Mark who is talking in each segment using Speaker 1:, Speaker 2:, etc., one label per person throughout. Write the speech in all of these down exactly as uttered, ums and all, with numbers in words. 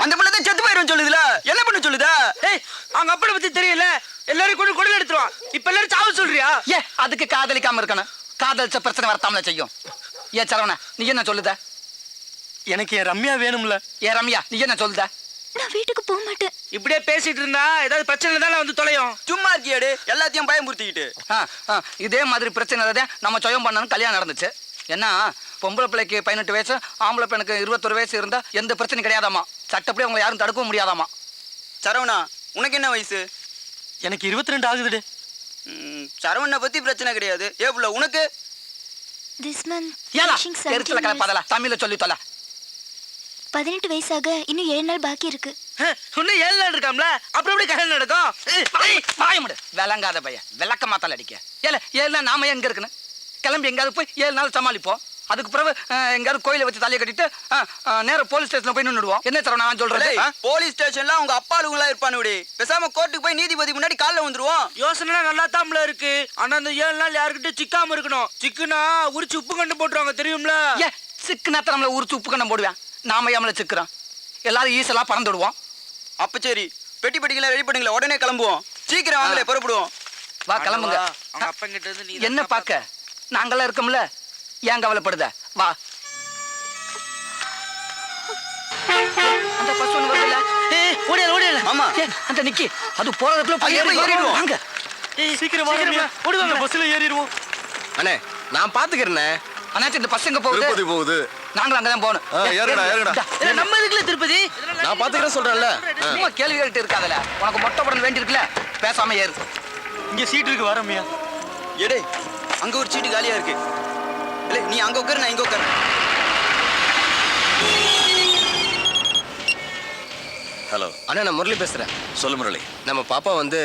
Speaker 1: அந்த பொண்ணு தான் செத்து போயிரும் சொல்லுதுல, என்ன பண்ண சொல்லுதா?
Speaker 2: ஏய், அவங்க அப்பனை பத்தி தெரியல, எல்லாரும் கூட குடல் எடுத்துருவான். இப்ப எல்லாரும் சாவு சொல்றியா?
Speaker 3: ஏ அதுக்கு காதலிக்காம இருக்கணும், காதலிச்ச பிரச்சனை வரத்தாமல செய்யும். ஏ சரவணா நீ என்ன சொல்லுத?
Speaker 2: எனக்கு என் ரம்யா வேணும்ல.
Speaker 3: ஏ ரம்யா நீ என்ன சொல்லுத?
Speaker 4: நான் வீட்டுக்கு போக மாட்டேன்.
Speaker 2: இப்படியே பேசிட்டு இருந்தா ஏதாவது பிரச்சனை தானே வந்து தொலையும்.
Speaker 1: சும்மா இருக்கியாடு, எல்லாத்தையும் பயமுறுத்திக்கிட்டு.
Speaker 3: இதே மாதிரி பிரச்சனை தான் நம்ம சொயம் பண்ணணும் கல்யாணம் நடந்துச்சு. என்ன பொம்பளை பிள்ளைக்கு பதினெட்டு வயசு, ஆம்பளை பெண்ணுக்கு இருபத்தொரு வயசு இருந்தா எந்த பிரச்சனையும் கிடையாதாமா. சட்டப்படி அவங்க யாரும் தடுக்கவும் முடியாதாமா.
Speaker 1: சரவணா உனக்கு என்ன வயசு?
Speaker 2: எனக்கு இருபத்தி ரெண்டு ஆகுதுடு.
Speaker 1: சரவணனை பத்தி பிரச்சனை கிடையாது. ஏ புள்ள உனக்கு?
Speaker 4: திஸ் மந்த்
Speaker 3: ஏலா
Speaker 4: finishing
Speaker 3: எரிச்சல
Speaker 4: seventeen
Speaker 3: கலப்பாதல, தமிழ்ல சொல்லி தொலை.
Speaker 4: பதினெட்டு வயசாக இன்னும் ஏழு நாள் பாக்கி இருக்கு.
Speaker 2: இன்னும் ஏழு நாள் இருக்காம்ல, அப்புறம் எப்படி கல்யாணம் நடக்கும்?
Speaker 3: வாயமுடு விளங்காத பையன், விளக்க மாத்தால அடிக்க. ஏல ஏழு நாள் நாம எங்க இருக்குன்னு கிளம்பி எங்காவது போய் ஏழு நாள் சமாளிப்போம். அதுக்கு பிறகு எங்காவது கோயிலை வச்சு தலையை கட்டிட்டு நேரம் போலீஸ் ஸ்டேஷன்ல போய் நின்றுடுவோம். என்ன தர நான் சொல்றேன்,
Speaker 1: போலீஸ் ஸ்டேஷன்ல அவங்க அப்பாளுங்களா இருப்பானு. பேசாம கோர்ட்டுக்கு போய் நீதிபதி முன்னாடி காலைல வந்துருவோம்.
Speaker 2: யோசனை நல்லா தாம்ல இருக்கு. ஆனா அந்த ஏழு நாள் யாருக்கிட்ட சிக்காம இருக்கணும். சிக்குனா உரிச்சு உப்பு கண்டு போட்டுருவாங்க தெரியும்ல.
Speaker 3: ஏ சிக்கு நேரத்தை நம்மள உரிச்சு உப்பு கண்ணம் போடுவேன். நாம ஏமல சிக்கிறோம், எல்லாரும் ஈஸெல்லாம் பறந்துடுவோம்.
Speaker 1: அப்ப சரி, பெட்டி பெட்டிகளை ரெடி பண்ணுங்களா, உடனே கிளம்புவோம். சீக்கிரம் வாங்களே, புறப்படுவோம்.
Speaker 3: வா கிளம்புங்க.
Speaker 2: அவங்க அப்பங்கிட்ட இருந்து நீ
Speaker 3: என்ன பாக்க நாங்கெல்லாம் இருக்கோம்ல, ஏன் கவலைப்படுத? வா. அந்த பஸ் ஒண்ணு வருதுல,
Speaker 2: ஏய் ஓடியல ஓடியல.
Speaker 1: ஆமா
Speaker 3: அந்த நிக்கி அது போறதுக்குள்ள போய்
Speaker 1: ஏறி ஏறிடுவோம்.
Speaker 3: வாங்க.
Speaker 2: ஏய் சீக்கிரம் வாங்க, ஓடுவாங்க. பஸ்ல ஏறிடுவோம்.
Speaker 5: அண்ணே நான் பாத்துக்கிறேனே.
Speaker 3: அண்ணாச்சி இந்த பஸ் எங்க போகுது?
Speaker 5: திருப்பதி போகுது.
Speaker 3: நாங்களும் அங்கதான் போகணும்.
Speaker 5: ஏறுடா ஏறுடா.
Speaker 2: இல்ல நம்ம இதுக்குள்ள திருப்பதி.
Speaker 5: நான் பாத்துக்கிறேன் சொல்றேன்ல.
Speaker 3: சும்மா கேள்வி கேட்டு இருக்காதல, உனக்கு மொட்டை படம் வேண்டி இருக்குல்ல, பேசாம ஏறு.
Speaker 2: இங்க சீட் இருக்கு வரமியா.
Speaker 1: எடே அங்க ஒரு சீட்டு காலியா இருக்கு. இல்ல நீ அங்க உட்காரு, நான் இங்க உட்காரு.
Speaker 5: ஹலோ அண்ணா, நான் முரளி பேசுறேன். சொல்லு முரளி. நம்ம பாப்பா வந்து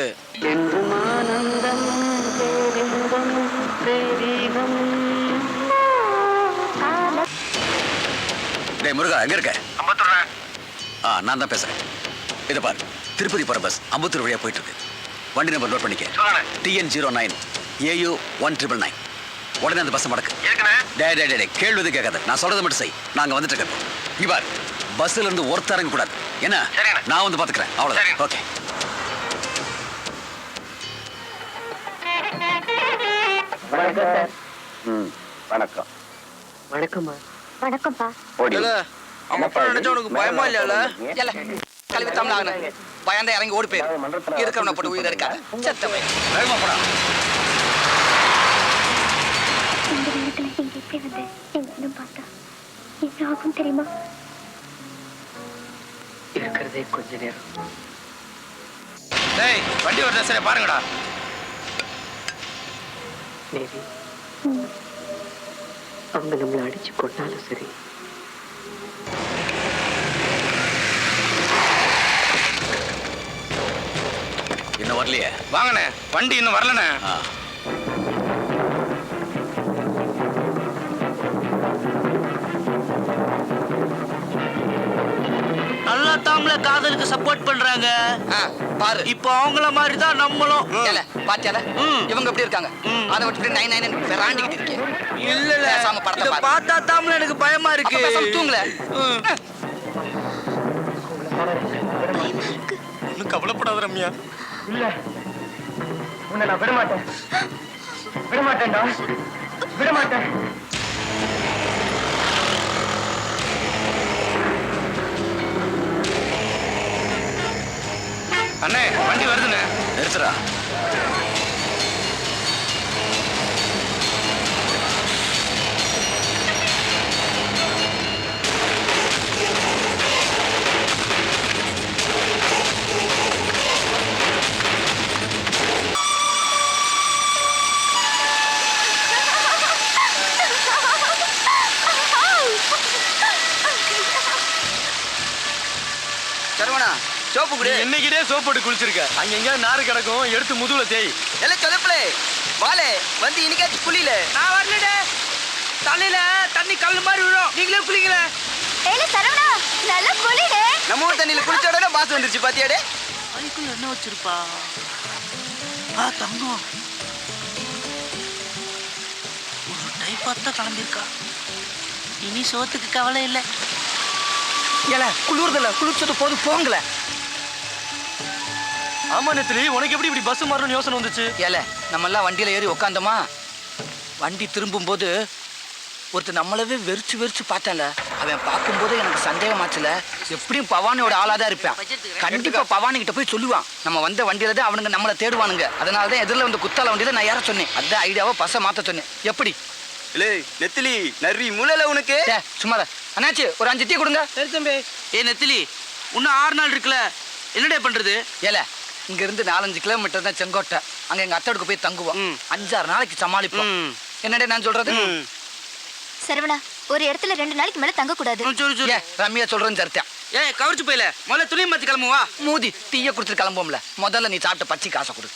Speaker 6: டேய் முருகா எங்க இருக்க? ஆ நான் தான் பேசுறேன். இதை பாரு, திருப்பதி போற பஸ் அம்பத்தூர் வழியா போயிட்டு இருக்கு. வண்டி நம்பர் நோட் பண்ணிக்க. TN zero nine AU one triple nine. உடனே அந்த பஸ் மடக்கு. டே டே டே கேள்வி கேட்காத, நான் சொல்றதை மட்டும் செய். நாங்க வந்துட்டு இருக்கோம். இங்க பாரு, பஸ்ல இருந்து ஒருத்தர் இறங்க கூடாது. என்ன நான் வந்து பாத்துக்கிறேன், அவ்வளவுதான். ஓகே.
Speaker 7: வணக்கம்.
Speaker 4: வணக்கம்மா. வணக்கம்ப்பா.
Speaker 2: அவங்க அப்பா நினைச்சா உனக்கு பயமா இல்லையால?
Speaker 3: இல்ல கல்வி தமிழ் பயந்த இறங்கி ஓடி போயிரு. இருக்கிறவனை போட்டு உயிர் எடுக்காத, செத்த பையன்.
Speaker 6: வேகமா போடா.
Speaker 4: இந்த நேரத்துல நீங்க எப்படி வந்து எங்க பார்த்தா என்ன ஆகும் தெரியுமா?
Speaker 7: இருக்கிறதே கொஞ்ச நேரம்.
Speaker 5: டேய் வண்டி வரல, சரி பாருங்கடா.
Speaker 7: மேபி அவங்க நம்மளை அடிச்சு கொண்டாலும் சரி,
Speaker 6: இன்னும் வரலையே.
Speaker 5: வாங்கண்ணே, வண்டி இன்னும் வரலண்ணே.
Speaker 6: ஆ
Speaker 2: நல்லா தாம்ல காதலுக்கு சப்போர்ட் பண்றாங்க.
Speaker 3: பாரு
Speaker 2: இப்போ அவங்கள மாதிரி தான் நம்மளும்.
Speaker 3: ஏல பாத்தியால இவங்க எப்படி இருக்காங்க, அதை விட்டு நைன் நைன் விராண்டிக்கிட்டு இருக்கேன்.
Speaker 2: இல்ல இல்ல
Speaker 3: பேசாம படத்தை
Speaker 2: இத
Speaker 3: பாரு.
Speaker 2: பார்த்தா தாம்ல எனக்கு பயமா இருக்கு.
Speaker 3: பேசாம தூங்கல.
Speaker 5: ஒன்னும் கவலைப்படாத ரம்யா.
Speaker 7: இல்ல உன்னை நான் விட மாட்டேன், விட மாட்டேன்டா, விட மாட்டேன்.
Speaker 5: அண்ணே வண்டி வருதுண்ணே.
Speaker 6: நிறுத்துறா.
Speaker 1: சரவணா சோப்பு குடி.
Speaker 5: என்னைக்கிட்டே சோப் போட்டு குளிச்சிருக்க. அங்க எங்கேயாவது நாறு கிடக்கும், எடுத்து முதுகுல தேய்.
Speaker 1: எல்லாம் சொதப்பலே வாலே வந்து இன்னைக்காச்சும் குளியில.
Speaker 2: நான் வரலடே, தலையில தண்ணி கல்லு மாதிரி விழும். நீங்களே குளிக்கல.
Speaker 4: ஏல சரவணா நல்லா குளிடே.
Speaker 1: நம்ம ஊர் தண்ணியில குளிச்ச உடனே பாஸ் வந்துருச்சு பாத்தியாடே.
Speaker 2: அதுக்குள்ள என்ன வச்சிருப்பா? ஆ தங்கம் ஒரு டைப் பார்த்தா கிளம்பியிருக்கா. இனி சோத்துக்கு கவலை இல்லை.
Speaker 3: ஏல குளிர்தல குளிச்சது போது போங்களே.
Speaker 2: ஆமா நெத்திலி, உனக்கு எப்படி இப்படி பஸ் மாறணும்னு யோசனை வந்துச்சு?
Speaker 3: ஏல நம்ம எல்லாம் வண்டியில ஏறி உக்காந்தோமா, வண்டி திரும்பும் போது ஒருத்தர் நம்மளவே வெறிச்சு வெறிச்சு பார்த்தால. அவன் பார்க்கும்போது எனக்கு சந்தேகமாச்சுல, எப்படியும் பவானியோட ஆளாதான் இருப்பான். கண்டிப்பா பவானி கிட்ட போய் சொல்லுவான், நம்ம வந்த வண்டியில தான் அவனுங்க நம்மளை தேடுவானுங்க. அதனாலதான் எதிரில் வந்து குத்தால வண்டியில நான் ஏற சொன்னேன். அதான் ஐடியாவை பஸ்ஸை மாத்த சொன்னேன். எப்படி
Speaker 1: இல்லை நெத்திலி நரி முளைல உனக்கு.
Speaker 3: சும்மா அண்ணாச்சி ஒரு அஞ்சு டீ கொடுங்க.
Speaker 2: சரி தம்பி. ஏ நெத்திலி, இன்னும் ஆறு நாள் இருக்குல்ல, என்னடே பண்றது?
Speaker 3: ஏல இங்க இருந்து நாலஞ்சு கிலோமீட்டர் தான் செங்கோட்டை. அங்க எங்க அத்தோடுக்கு போய் தங்குவோம். அஞ்சாறு நாளைக்கு சமாளிப்போம். என்னடே நான் சொல்றது?
Speaker 4: சரவணா, ஒரு இடத்துல ரெண்டு நாளைக்கு மேல தங்க கூடாது.
Speaker 2: சொல்லு சொல்லு.
Speaker 3: ஏ ரம்யா சொல்றேன்னு சரித்தான்.
Speaker 2: ஏ கவர்ச்சி போயில முதல்ல துணியை மாத்தி கிளம்புவா.
Speaker 3: மூதி டீயை கொடுத்துட்டு கிளம்புவோம்ல, முதல்ல நீ சாப்பிட்ட பச்சை காசை கொடு.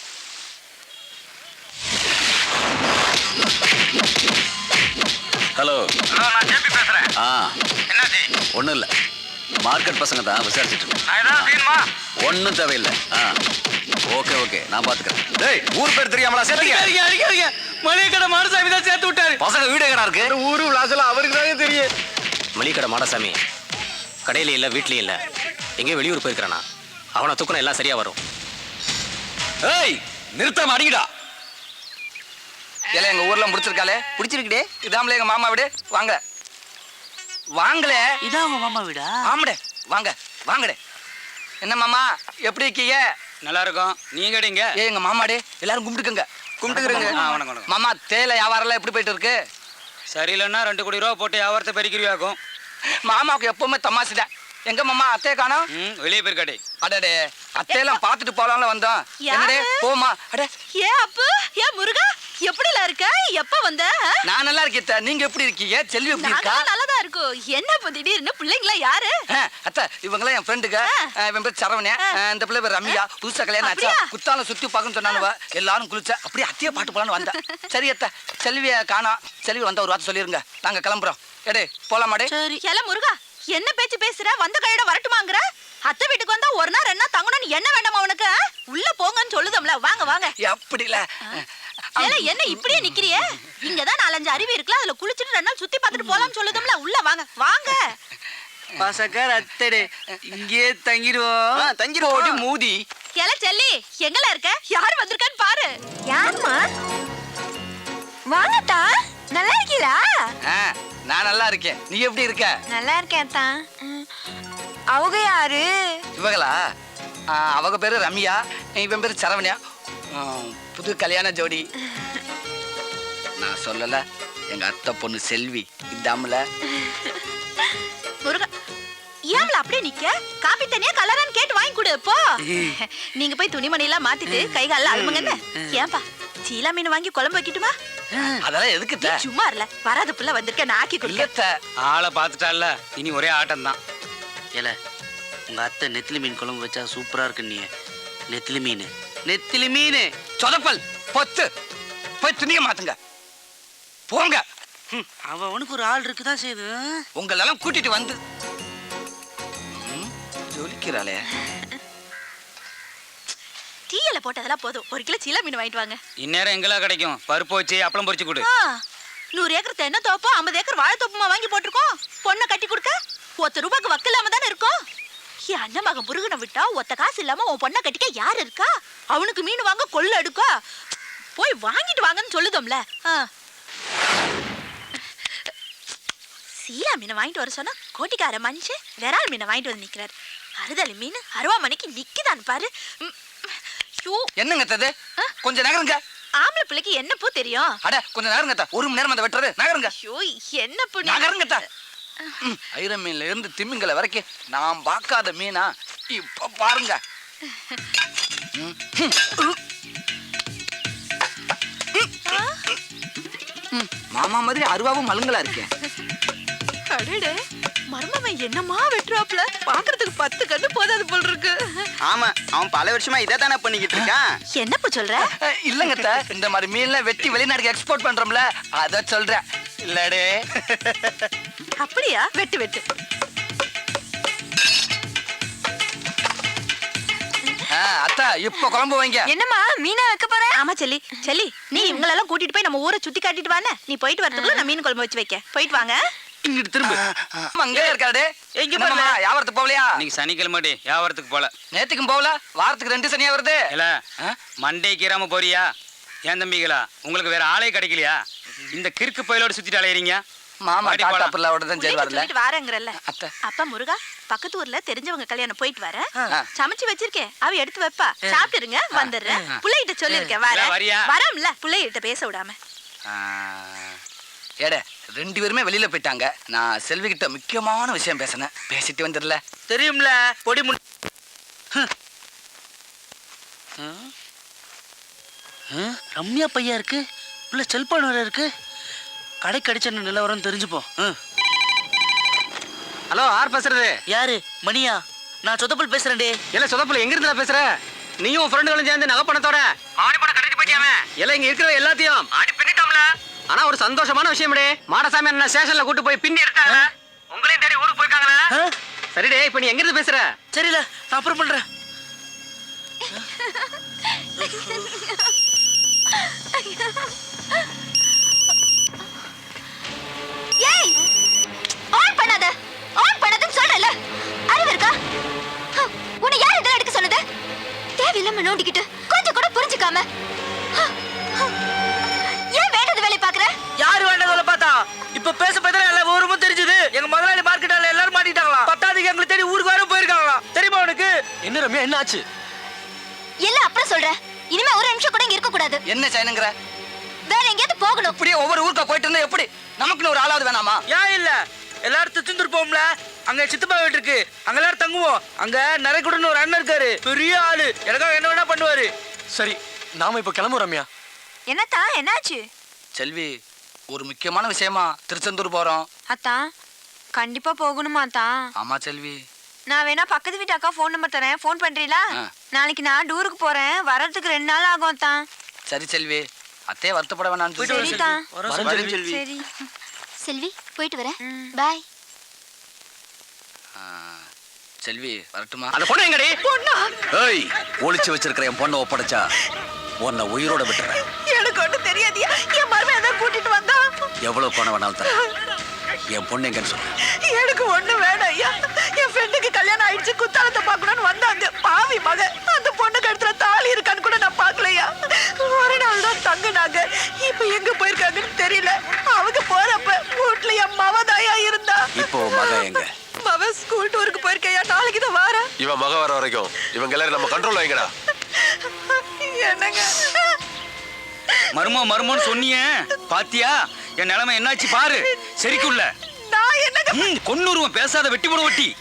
Speaker 6: ஹலோ,
Speaker 2: நான் ஜேபி பேசுறேன்.
Speaker 6: ஆ
Speaker 2: என்னாச்சு?
Speaker 6: ஒன்றும் இல்லை, மார்க்கெட் பசங்க தான் விசாரிச்சுட்டு இருக்கேன்.
Speaker 2: நான் ஏதாவது செய்யணுமா?
Speaker 6: ஒன்றும் தேவையில்லை. ஆ ஓகே ஓகே, நான் பார்த்துக்கிறேன். டேய், ஊர் பேர் தெரியாமலா சேர்த்துக்க?
Speaker 2: அடிக்க அடிக்க அடிக்க மளிகை கடை மாடசாமி தான் சேர்த்து விட்டாரு.
Speaker 6: பசங்க வீடு எங்கடா இருக்கு?
Speaker 2: ஊரு விளாசல அவருக்கு தானே தெரியும்.
Speaker 5: மளிகை கடை மாடசாமி கடையில இல்லை, வீட்லயும் இல்லை, எங்கேயும் வெளியூர் போயிருக்கிறானா. அவனை தூக்கணும், எல்லாம் சரியா வரும்.
Speaker 6: ஏய் நிறுத்தாம அடிங்கடா.
Speaker 3: ஏல எங்க ஊர்ல முடிச்சிருக்காளே.
Speaker 2: பிடிச்சிருக்குடே.
Speaker 3: இதாமலே எங்க மாமா வீடு. வாங்க வாங்களே.
Speaker 2: இதான் உங்க மாமா வீடா?
Speaker 3: ஆமாடே, வாங்க வாங்கடே. என்ன மாமா எப்படி இருக்கீங்க?
Speaker 2: நல்லா இருக்கும். நீங்க எங்க?
Speaker 3: ஏ எங்க மாமாடே, எல்லாரும் கும்பிட்டுக்கங்க.
Speaker 2: கும்பிட்டுக்கிறேங்க. வணக்கம் வணக்கம்.
Speaker 3: மாமா தேயிலை வியாபாரம் எல்லாம் எப்படி போயிட்டு இருக்கு?
Speaker 2: சரியில்லைன்னா ரெண்டு கோடி ரூபா போட்டு வியாபாரத்தை பெருக்கிறியாக்கும்.
Speaker 3: மாமாவுக்கு எப்பவுமே தமாசுதான். எங்க மாமா அத்தையை காணோம்?
Speaker 2: ம், வெளியே போயிருக்காடே.
Speaker 3: அடடே, அத்தையெல்லாம் பார்த்துட்டு போலாம்ல வந்தோம். என்னடே போமா. அடே
Speaker 8: ஏ அப்பு, ஏ முருகா, எப்படில இருக்க? எப்ப வந்த?
Speaker 3: நான் நல்லா இருக்கேன். நீங்க எப்படி இருக்கீங்க? செல்வி எப்படி இருக்கா?
Speaker 8: நாங்க நல்லதா இருக்கும். என்ன இப்ப திடீர்னு பிள்ளைங்களா யாரு?
Speaker 3: ஆ, அத்தை இவங்களாம் என் ஃப்ரெண்டுங்க. இவன் பேர் சரவணே, இந்த பிள்ளை பேர் ரம்யா. புதுசா கல்யாணம் ஆச்சா,
Speaker 8: அப்படியா?
Speaker 3: குத்தால சுத்தி பார்க்கணும்னு சொன்னானுவ. எல்லாரும் குளிச்ச அப்படியே அத்தையை பாட்டு போலான்னு வந்தேன். சரி அத்தை, செல்விய காணோம். செல்வி வந்த ஒரு வார்த்தை சொல்லிருங்க, நாங்க கிளம்புறோம். எடே போலாமாடே?
Speaker 8: சரி. ஏல முருகா, என்ன பேச்சு பேசுற? வந்த கையோட வரட்டுமாங்கற? அத்தை வீட்டுக்கு வந்தா ஒரு நாள் ரெண்டு நாள் தங்கணும்னு என்ன வேண்டாமா உனக்கு? உள்ள போங்கன்னு சொல்லுதம்ல. வாங்க வாங்க.
Speaker 3: அப்படில
Speaker 8: ஏல என்ன இப்படியே நிக்கிறியே? இங்கதான் நாலஞ்சு அருவி இருக்குல, அதுல குளிச்சிட்டு ரெண்டு நாள் சுத்தி பார்த்துட்டு போலாம்னு சொல்லுதம்ல. உள்ள வாங்க வாங்க.
Speaker 2: பசக்கார அத்தடே, இங்கேயே தங்கிடுவோம்.
Speaker 1: ஆ, தங்கிடுவோம்.
Speaker 2: போடி மூதி.
Speaker 8: ஏல செல்லி, எங்கல இருக்க? யார் வந்திருக்கான்னு பாரு.
Speaker 4: யாருமா? வாங்கத்தா, நல்லா இருக்கீங்களா?
Speaker 3: ஆ, நான் நல்லா இருக்கேன். நீ எப்படி இருக்க?
Speaker 4: நல்லா இருக்கேன் தான். அவங்க யாரு?
Speaker 3: இவங்களா? ஆ, அவங்க பேரு ரம்யா, இவன் பேரு சரவணியா. ஆ, புது கல்யாண ஜோடி. நான் சொல்லல, எங்க அத்தை பொண்ணு செல்வி. இதாமல
Speaker 8: முருகா, ஏம்ல அப்படியே நிக்க? காபி தனியா கலரான்னு கேட்டு வாங்கி கொடு போ. நீங்க போய் துணிமணி எல்லாம் மாத்திட்டு கை கால அழுமுங்கன்னு. ஏன்பா சீலா மீன் வாங்கி குழம்பு வைக்கட்டுமா?
Speaker 3: அதெல்லாம் எதுக்கு த?
Speaker 8: சும்மா இல்ல, வராத புள்ள வந்திருக்க, நான் ஆக்கி கொடுக்க.
Speaker 3: இல்லத்த.
Speaker 2: ஆளை பார்த்துட்டால, இனி ஒரே ஆட்டம் தான். ஏல உங்க அத்தை நெத்திலி மீன் குழம்பு வச்சா சூப்பரா இருக்கு. நீ நெத்திலி மீன் நெத்திலி மீன்
Speaker 3: சொதப்பல் பொத்து போய் துணிய மாத்துங்க போங்க.
Speaker 2: அவனுக்கு ஒரு ஆள் இருக்குதான் செய்யுது.
Speaker 3: உங்களெல்லாம் கூட்டிட்டு வந்து ம், ஜொலிக்கிறாளே.
Speaker 8: டீயில போட்டதெல்லாம் போதும். ஒரு கிலோ சீலா மீன் வாங்கிட்டு வாங்க.
Speaker 2: இந்நேரம் எங்கெல்லாம் கிடைக்கும்? பருப்பு வச்சு அப்பளம் பொரிச்சு கொடு.
Speaker 8: ஆ, நூறு ஏக்கர் தென்னை தோப்போ ஐம்பது ஏக்கர் வாழை தோப்புமா வாங்கி போட்டிருக்கோம். பொண்ணை கட்டி கொடுக்க ஒத்த ரூபாய்க்கு வக்கு இல்லாம தானே இருக்கும். என் அண்ணன் மகன் முருகனை விட்டா ஒத்த காசு இல்லாம உன் பொண்ணை கட்டிக்க யாரு இருக்கா? அவனுக்கு மீன் வாங்க கொள்ள எடுக்கா. போய் வாங்கிட்டு வாங்கன்னு சொல்லுதோம்ல. சீலா மீனை வாங்கிட்டு வர சொன்னா கோட்டிக்கார மனுஷன் விரால் மீனை வாங்கிட்டு வந்து நிக்கிறாரு. அறுதலி மீன் அருவா மணிக்கு நிக்குதான் பாரு. ம், ஐயோ,
Speaker 3: என்னங்க தது? கொஞ்சம் நகருங்க.
Speaker 8: ஆம்பளை பிள்ளைக்கு என்ன பூ தெரியும்?
Speaker 3: அட கொஞ்சம் நகருங்க தா. ஒரு மணி நேரம் அந்த வெட்டுறது. நகருங்க.
Speaker 8: ஐயோ, என்ன பூ?
Speaker 3: நகருங்க தா. ஐர மீன்ல இருந்து திமிங்கல வரைக்கும் நான் பார்க்காத மீனா இப்ப பாருங்க. மாமா மாதிரி அருவாவும் மலுங்களா இருக்கேன்.
Speaker 8: அடடே, மர்மவன் என்னமா வெட்டுறாப்ல? பாக்குறதுக்கு பத்து கண்ணு போதாது போல் இருக்கு.
Speaker 1: ஆமா, அவன் பல வருஷமா இதை தானே பண்ணிக்கிட்டு இருக்கான்.
Speaker 8: என்னப்பா சொல்ற?
Speaker 3: இல்லங்க அத்தை, இந்த மாதிரி மீன்லாம் வெட்டி வெளிநாட்டுக்கு எக்ஸ்போர்ட் பண்றோம்ல, அத சொல்றேன். இல்லடே.
Speaker 8: அப்படியா? வெட்டு வெட்டு.
Speaker 3: ஆ, அத்தா இப்ப குழம்பு வைங்க.
Speaker 8: என்னம்மா மீனா வைக்க போற? ஆமா செல்லி, செல்லி நீ இவங்களெல்லாம் கூட்டிட்டு போய் நம்ம ஊரை சுத்தி காட்டிட்டு வானே. நீ போயிட்டு வரதுக்குள்ள நான் மீன் குழம்பு வச்சு வைக்க. போயிட்டு வாங்க.
Speaker 2: இங்கிட்டு திரும்ப.
Speaker 3: அங்கே இருக்காரு.
Speaker 2: எங்க
Speaker 3: என்னம்மா,
Speaker 2: போறல?
Speaker 3: வியாபாரத்துக்கு போகலையா?
Speaker 2: இன்னைக்கு சனிக்கிழமை வியாபாரத்துக்கு போல.
Speaker 3: நேத்துக்கும் போகல, வாரத்துக்கு ரெண்டு சனியா வருது.
Speaker 2: இல்ல
Speaker 3: ஆ?
Speaker 2: மண்டே கீராம போறியா? ஏன் தம்பிகளா, உங்களுக்கு வேற ஆளே கிடைக்கலையா? இந்த கிறுக்கு பயிலோட சுத்திட்டு அலையறீங்க.
Speaker 3: மாமா
Speaker 2: வாடி
Speaker 3: டாட்டா
Speaker 2: போலாம்.
Speaker 3: பிள்ளையோட தான் சரி
Speaker 8: பிள்ளைக்கு
Speaker 3: வரல.
Speaker 8: சொல்லிட்டு வாரேங்கறல்ல.
Speaker 3: அத்தை.
Speaker 8: அப்பா முருகா, பக்கத்து ஊர்ல தெரிஞ்சவங்க கல்யாணம் போயிட்டு வரேன்.
Speaker 3: ஆ.
Speaker 8: சமைச்சு வச்சிருக்கேன், அவ எடுத்து வைப்பா. சாப்பிட்டுருங்க, வந்துடுறேன். புள்ளைகிட்ட சொல்லிருக்கேன் வரேன்.
Speaker 2: இல்ல, வரியா?
Speaker 8: வரம்ல, புள்ளைகிட்ட பேச விடாம.
Speaker 3: ஆ, ஏடே ரெண்டு பேருமே வெளியில போயிட்டாங்க. நான் செல்வி கிட்ட முக்கியமான விஷயம் பேசினேன். பேசிட்டு வந்துடல.
Speaker 2: தெரியும்ல பொடி முன். ரம்யா பையா இருக்கு, உள்ள செல்போன் வேற இருக்கு. கடை கடிச்ச நிலவரம் தெரிஞ்சுப்போம்.
Speaker 5: ஹலோ, யார் பேசுறது?
Speaker 2: யாரு? மணியா? நான் சொதப்பல் பேசுறேன்டே.
Speaker 5: இல்ல சொதப்புல எங்க இருந்தா பேசுற? நீயும் உன் ஃப்ரெண்டுகளும் சேர்ந்து நகை பணத்தோட ஆடி பணம் கட்டிட்டு போயிட்டியாமே. எல்லாம் இங்க இருக்கிற எல்லாத்தையும் ஆடி பின்னிட்டோம்ல. ஆனா ஒரு சந்தோஷமான விஷயம் டே, மாடசாமி என்ன ஸ்டேஷன்ல கூட்டு போய் பின்னி எடுத்தாங்க. உங்களையும் தேடி ஊருக்கு போயிருக்காங்களே. சரிடே, இப்ப நீ எங்க இருந்து பேசுற?
Speaker 2: சரில, நான் அப்புறம் பண்றேன்.
Speaker 4: ஏய் ஆன் பண்ணாத, ஆன் பண்ணாதன்னு சொல்றல. அறிவு இருக்கா? ஹம், உன்னை யார் இதெல்லாம் எடுக்க சொன்னது? தேவையில்லாம நோண்டிக்கிட்டு கொஞ்சம் கூட புரிஞ்சுக்காம ஹம், ஹம். ஏன் வேண்டாத வேலை பாக்குற?
Speaker 2: யாரு வேண்டதுல பார்த்தா இப்ப பேச பேசுற எல்லா ஊருமும் தெரிஞ்சது. எங்க முதலாளி மார்க்கெட்டால எல்லாரும் மாட்டிட்டாங்களா? பத்தாவதுக்கு எங்களை தேடி ஊருக்கு வர போயிருக்காங்களா? தெரியுமா உனக்கு?
Speaker 5: என்ன ரம்யா, என்ன ஆச்சு?
Speaker 4: எல்லாம் அப்புறம் சொல்றேன். இனிமே ஒரு நிமிஷம் கூட இங்க இருக்க கூடாது.
Speaker 3: என்ன செய்யணுங்கிற?
Speaker 4: வேற எங்கேயாவது போகணும்.
Speaker 3: இப்படியே ஒவ்வொரு ஊருக்கா போயிட்டு இருந்தா எப்படி? நமக்குன்னு ஒரு ஆளாவது வேணாமா?
Speaker 2: ஏன் இல்ல, எல்லாரும் திருச்செந்தூர் அங்க சித்தப்பா வீட்டு இருக்கு, அங்க எல்லாரும் தங்குவோம். அங்க நரைக்குடன்னு ஒரு அண்ணன் இருக்காரு, பெரிய ஆளு. எனக்காக என்ன வேணா பண்ணுவாரு.
Speaker 5: சரி, நாம இப்ப கிளம்புறோம் ரம்யா.
Speaker 8: என்னத்தா, என்னாச்சு?
Speaker 3: செல்வி, ஒரு முக்கியமான விஷயமா திருச்செந்தூர் போறோம்.
Speaker 8: அத்தான், கண்டிப்பா போகணுமா தான்?
Speaker 3: ஆமா செல்வி.
Speaker 8: நான் வேணா பக்கத்து வீட்டு அக்கா ஃபோன் நம்பர் தரேன், ஃபோன் பண்றீங்களா?
Speaker 3: ஆ.
Speaker 8: நாளைக்கு நான் டூருக்கு போறேன், வரதுக்கு ரெண்டு நாள் ஆகும் தான்.
Speaker 3: சரி செல்வி, அத்தையே வருத்தப்பட வேணாம்.
Speaker 8: சரிதான்.
Speaker 3: வரேன் செல்வி.
Speaker 8: சரி.
Speaker 4: செல்வி, போயிட்டு வரேன்.
Speaker 8: ம்.
Speaker 4: பாய்.
Speaker 3: ஆ, செல்வி வரட்டுமா?
Speaker 5: அந்த பொண்ணு எங்கடி?
Speaker 6: ஏய், ஒளிச்சு வச்சிருக்கிற என் பொண்ணை ஒப்படைச்சா உன்னை உயிரோட விட்டுறேன்.
Speaker 8: எனக்கு ஒன்றும் தெரியாதியா, என் மருமகன் தான் கூட்டிட்டு வந்தா.
Speaker 6: எவ்வளவு பணம் வேணாலும் தரேன். என் பொண்ணு எங்கன்னு சொல்லு.
Speaker 8: எனக்கு ஒண்ணு வேணாம் ஐயா. என் ஃப்ரெண்டுக்கு கல்யாணம் ஆயிடுச்சு, குத்தாலத்தை பார்க்கணும்னு வந்தாங்க. பாவி மக, அந்த பொண்ணு கழுத்துல தாலி இருக்கான்னு கூட நான் பார்க்கலையா. ஒரு நாள் தான் தங்குனாங்க, இப்ப எங்க போயிருக்காங்கன்னு தெரியல. அவங்க போறப்ப வீட்டுல என் மவதாயா இருந்தா.
Speaker 6: இப்போ உன் மகன் எங்க?
Speaker 8: மவ ஸ்கூல் டூருக்கு போயிருக்கையா, நாளைக்கு தான் வார.
Speaker 9: இவன் மக வர வரைக்கும் இவங்க எல்லாரும் நம்ம கண்ட்ரோல் வைங்கடா.
Speaker 8: என்னங்க
Speaker 2: மருமோ மருமோன்னு சொன்னியே, பாத்தியா என் நிலைமை என்னாச்சு பாரு. சரிக்குள்ள
Speaker 8: நான் என்னங்க
Speaker 2: கொன்னுருவன், பேசாத வெட்டி போட வெட்டி.